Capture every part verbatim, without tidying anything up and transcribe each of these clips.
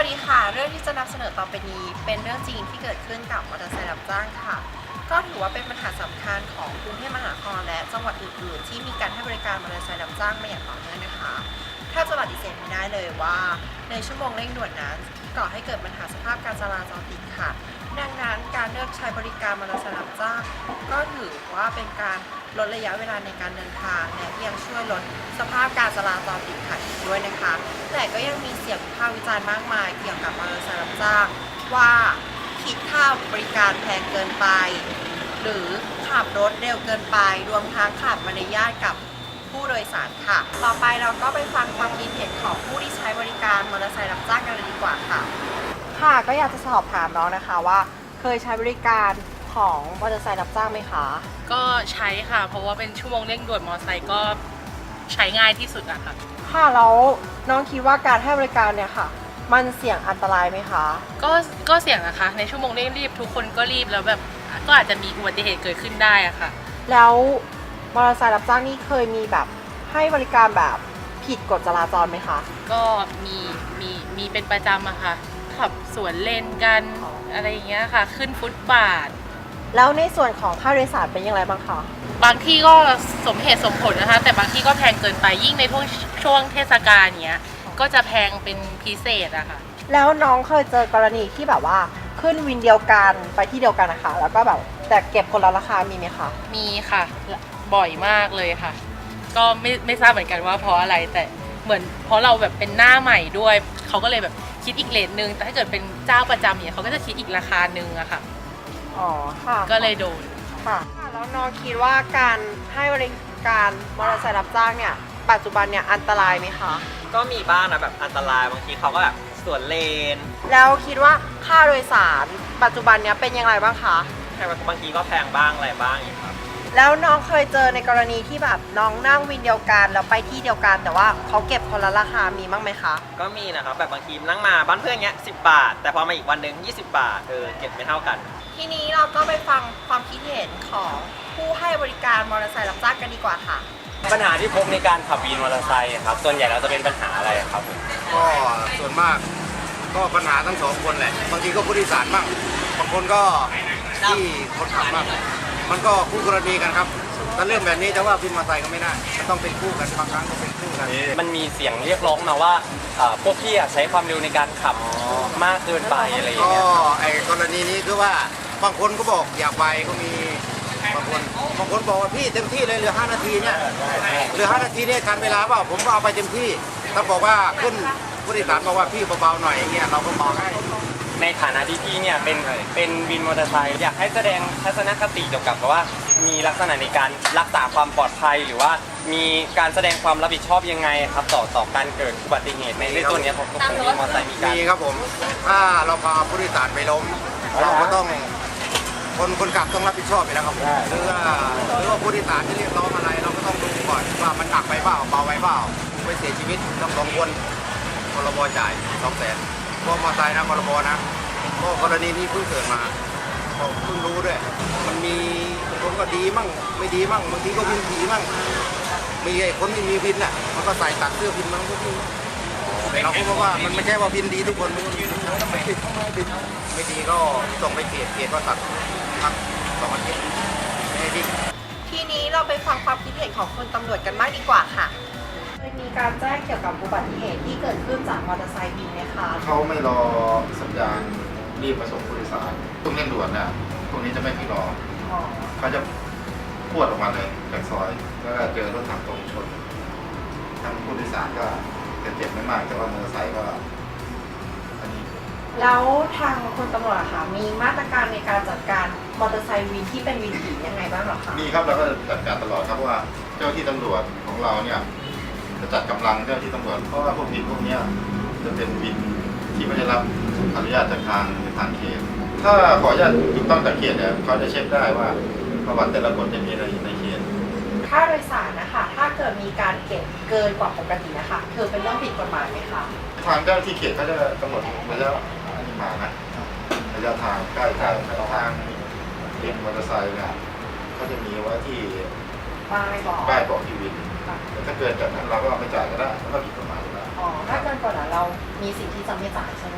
วัสดีค่ะเรื่องที่จะนำเสนอต่อไปนี้เป็นเรื่องจริงที่เกิดขึ้นกับมอเตอร์ไซค์รับจ้างค่ะก็ถือว่าเป็นปัญหาสำคัญของกรุงเทพมหานครและจังหวัดอื่นๆที่มีการให้บริการมอเตอร์ไซค์รับจ้างมาอย่างต่อเนื่องนะคะถ้าจะปฏิเสธไม่ได้เลยว่าในชั่วโมงเร่งด่วนนั้นก่อให้เกิดปัญหาสภาพการจราจรติดขัดดังนั้นการเลือกใช้บริการมอเตอร์ไซค์รับจ้างก็ถือว่าเป็นการลดระยะเวลาในการเดินทางและยังช่วยลดสภาพการจราจรติดขัดอีกด้วยนะคะแต่ก็ยังมีเสียงวิพากษ์วิจารณ์มากมายเกี่ยวกับมอเตอร์ไซค์รับจ้างว่าคิดค่าบริการแพงเกินไปหรือขับรถเร็วเกินไปรวมทั้งขาดมารยาทกับผู้โดยสารค่ะต่อไปเราก็ไปฟังความคิดเห็นของผู้ที่ใช้บริการมอเตอร์ไซค์รับจ้างกันเลยดีกว่าค่ะค่ะก็อยากจะสอบถามน้องนะคะว่าเคยใช้บริการของมอเตอร์ไซค์รับจ้างไหมคะก็ใช้ค่ะเพราะว่าเป็นชั่วโมงเร่งด่วนมอเตอร์ไซค์ก็ใช้ง่ายที่สุดอะค่ะค่ะแล้วน้องคิดว่าการให้บริการเนี่ยค่ะมันเสี่ยงอันตรายไหมคะก็ก็เสี่ยงนะคะในชั่วโมงเร่งรีบทุกคนก็รีบแล้วแบบก็อาจจะมีอุบัติเหตุเกิดขึ้นได้อะค่ะแล้วมอเตอร์ไซค์รับจ้างนี่เคยมีแบบให้บริการแบบผิดกฎจราจรไหมคะก็มีมีมีเป็นประจำอะค่ะขับสวนเลนกันอะไรอย่างเงี้ยค่ะขึ้นฟุตบาทแล้วในส่วนของค่าโดยสารเป็นยังไงบ้างคะบางที่ก็สมเหตุสมผลนะคะแต่บางที่ก็แพงเกินไปยิ่งในช่วงช่วงเทศกาลเนี้ยก็จะแพงเป็นพิเศษอะค่ะแล้วน้องเคยเจอกรณีที่แบบว่าขึ้นวินเดียวกันไปที่เดียวกันนะคะแล้วก็แบบแต่เก็บคนละราคามีไหมคะมีค่ะบ่อยมากเลยค่ะก็ไม่ไม่ทราบเหมือนกันว่าเพราะอะไรแต่เหมือนเพราะเราแบบเป็นหน้าใหม่ด้วยเขาก็เลยแบบคิดอีกเรทนึงแต่ถ้าเกิดเป็นเจ้าประจำเนี่ยเขาก็จะคิดอีกราคานึงอะค่ะอ๋อค่ะก็เลยโดนค่ะแล้วน้องคิดว่าการให้บริการมอเตอร์ไซค์รับจ้างเนี่ยปัจจุบันเนี่ยอันตรายไหมคะก็มีบ้างนะแบบอันตรายบางทีเขาก็แบบสวนเลนแล้วคิดว่าค่าโดยสารปัจจุบันเนี่ยเป็นยังไงบ้างคะแพงบางทีก็แพงบ้างอะไรบ้างอย่างครับแล้วน้องเคยเจอในกรณีที่แบบน้องนั่งวินเดียวกันแล้วไปที่เดียวกันแต่ว่าเขาเก็บคนละราคามีบ้างไหมคะก็มีนะครับแบบบางทีนั่งมาบ้านเพื่อนเงี้ยสิบบาทแต่พอมาอีกวันหนึ่งยี่สิบบาทเออเก็บไม่เท่ากันทีนี้เราก็ไปฟังความคิดเห็นของผู้ให้บริการมอเตอร์ไซค์รับจ้างกันดีกว่าค่ะปัญหาที่พบในการขับวินมอเตอร์ไซค์ครับส่วนใหญ่เราจะเป็นปัญหาอะไรครับก็ส่วนมากก็ปัญหาทั้งสองคนแหละบางทีก็ผู้โดยสารบ้างบางคนก็ที่คนขับบ้างมันก็คู่กรณีกันครับถ้าเรื่องแบบนี้จะว่าวินมอเตอร์ไซค์ก็ไม่ได้ต้องเป็นคู่กันบางครั้งก็เป็นคู่กันมันมีเสียงเรียกร้องมาว่าพวกพี่ใช้ความเร็วในการขับมากเกินไปอะไรอย่างเงี้ยก็ไอ้กรณีนี้คือว่าบางคนก็บอกอยากไปก็มีบางคนบางคนบอกว่าพี่เต็มที่เลยเหลือห้านาทีเนี่ยเหลือห้านาทีเนี่ยทันเวลาเปล่าผมก็เอาไปเต็มที่ถ้าบอกว่าขึ้นผู้โดยสารบอกว่าพี่เบาๆหน่อยอย่างเงี้ยเราก็บอกให้ในฐานะที่พี่เนี่ยเป็นเป็นวินมอเตอร์ไซค์อยากให้แสดงทัศนคติเกี่ยวกับว่ามีลักษณะในการรักษาความปลอดภัยหรือว่ามีการแสดงความรับผิดชอบยังไงครับต่อต่อการเกิดอุบัติเหตุในเรื่องตัวนี้ของของวินมอเตอร์ไซค์มีการมีครับผมถ้าเราพาผู้โดยสารไปล้มเราก็ต้องคนคนขับต้องรับผิดชอบไปแล้วครับผมหรือว่าหรือว่าผู้โดยสารที่เรียกร้องอะไรเราก็ต้องดูก่อนว่ามันหนักไปเปล่าเบาไปเปล่าไปเสียชีวิตต้องสองคนพรบจ่ายสองแสนพวกมอเตอร์ไซค์นะพรบนะก็กรณีนี้เพิ่งเกิดมาผมเพิ่งรู้ด้วยมันมีคนก็ดีมั่งไม่ดีมั่งบางทีก็วินผีมั่งมีไอ้คนที่มีวินอ่ะมันก็ใส่ตัดเสื้อวินมันก็วิ่งเราก็บอกว่ามันไม่ใช่ว่าวินดีทุกคนไม่ดีไม่ดีก็ส่งไปเกตเกตก็ตัดพักสองอาทิตย์ไม่ดีทีนี้เราไปฟังความคิดเห็นของคนตำรวจกันบ้างดีกว่าค่ะเคยมีการแจ้งเกี่ยวกับอุบัติเหตุที่เกิดขึ้นจากมอเตอร์ไซค์วินไหมคะเขาไม่รอสัญญาณรีบมาส่งผู้โดยสารต้องเร่งด่วนนะพวกนี้จะไม่พี่รอเขาจะพวดออกมาเลยจากซอยแล้วก็เจอรถถังตรงชนทางผู้โดยสารก็เจ็บไม่มากแต่ว่ามอเตอร์ไซค์ก็อันนี้แล้วทางคนตำรวจค่ะมีมาตรการในการจัดการมอเตอร์ไซค์วินที่เป็นวินผียังไงบ้างหรอคะมีครับเราก็จัดการตลอดครับว่าเจ้าที่ตำรวจของเราเนี่ยจะจัดกำลังเจ้าที่ตำรวจเพราะว่าพวกผิดพวกนี้จะเป็นวินที่ไม่ได้รับอนุญาตจากทางทางเขตถ้าขออนุญาตถูกต้องจากเขตเนี่ยเขาจะเช็คได้ว่าประวัติแต่ละคนจะมีอะไรในเขตค่าโดยสารนะคะถ้าเกิดมีการเก็บเกินกว่าปกตินะคะคือเป็นเรื่องผิดกฎหมายไหมคะทางเจ้าที่เขตเขาจะกำหนดระยะอันนี้มานะระยะทางใกล้ทางทางวินมอเตอร์ไซค์เนี่ยเขาจะมีไว้ที่ป้ายบอกป้ายบอกที่วินแต่ถ้าเกินจากนั้นเราก็ไม่จ่ายก็ได้แล้วก็ผิดกฎหมายอยู่แล้วอ๋อถ้าเกินกว่านั้นเรามีสิทธิ์ที่จะไม่จ่ายใช่ไหมคะ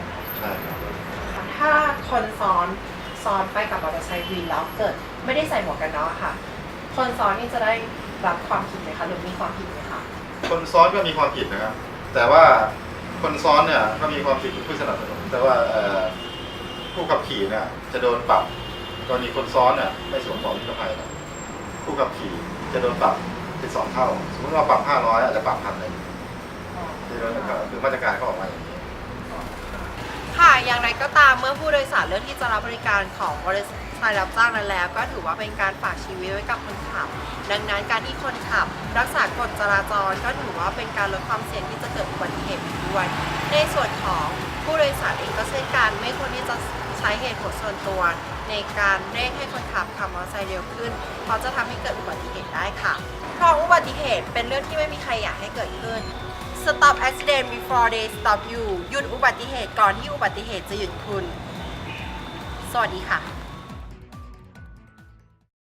ช่ครับถ้าคนซ้อนซ้อนไปกับมอเตอร์ไซค์วินแล้วเกิดไม่ได้ใส่หมวกกันน็อกค่ะ คนซ้อนนี่จะได้รับความผิดไหมคะหรือมีความผิดไหมคะคนซ้อนก็มีความผิดนะครับ แต่ว่าคนซ้อนเนี่ยก็มีความผิดเป็นผู้สนับสนุนแต่ว่าเอ่อผู้ขับขี่เนี่ยจะโดนปรับกรณีคนซ้อนเนี่ยไม่สวมหมวกนิรภัยนะผู้ขับขี่จะโดนปรับเป็นสองเท่า สมมติเราปรับห้าร้อยอาจจะปรับพันหนึ่งที่เราคือมาตรการเขาออกมาอย่างนี้ค่ะ อย่างไรก็ตามเมื่อผู้โดยสารเลือกที่จะรับบริการของบริษัทรับจ้างนั้นแล้ว ก็ถือว่าเป็นการฝากชีวิตไว้กับคนขับ ดังนั้นการที่คนขับ รักษากฎจราจรก็ถือว่าเป็นการลดความเสี่ยงที่จะเกิดอุบัติเหตุด้วย ในส่วนของผู้โดยสารเองก็เช่นกันไม่ควรที่จะใช้เหตุผลส่วนตัว ในการเร่งให้คนขับขับมอเตอร์ไซค์เร็วขึ้น เพราะจะทำให้เกิดอุบัติเหตุได้ค่ะเพราะอุบัติเหตุเป็นเรื่องที่ไม่มีใครอยากให้เกิดขึ้น Stop accident before they stop you หยุดอุบัติเหตุก่อนที่อุบัติเหตุจะหยุดคุณ สวัสดีค่ะ